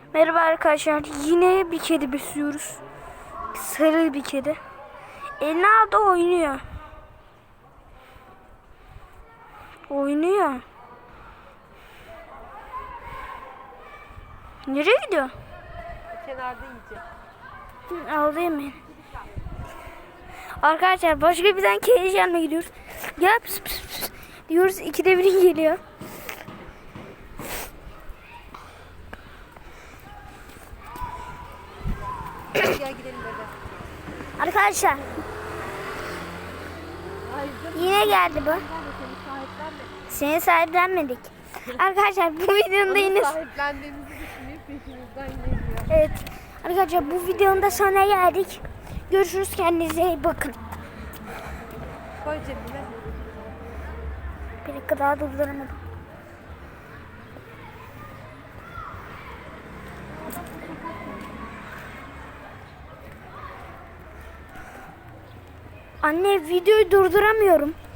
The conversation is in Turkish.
Merhaba arkadaşlar. Yine bir kedi besliyoruz. Sarı bir kedi. Eline aldı oynuyor. Oynuyor. Nereye gidiyor? Kenarda yiyeceğim. Aldı yemeğini. Arkadaşlar başka bir tane kedi yanına gidiyoruz. Gel pıs pıs pıs diyoruz. İkide biri geliyor. Gel gidelim bebe. Arkadaşlar yine geldi bu. Seni sahiplenmedik. Arkadaşlar bu videonun da yine... Sahiplendiğimizi düşünüp peşimizden geliyor. Evet. Arkadaşlar bu videonun da sonuna geldik. Görüşürüz, kendinize iyi bakın. Koy cebine. Bir dakika daha durduramadım. Anne videoyu durduramıyorum.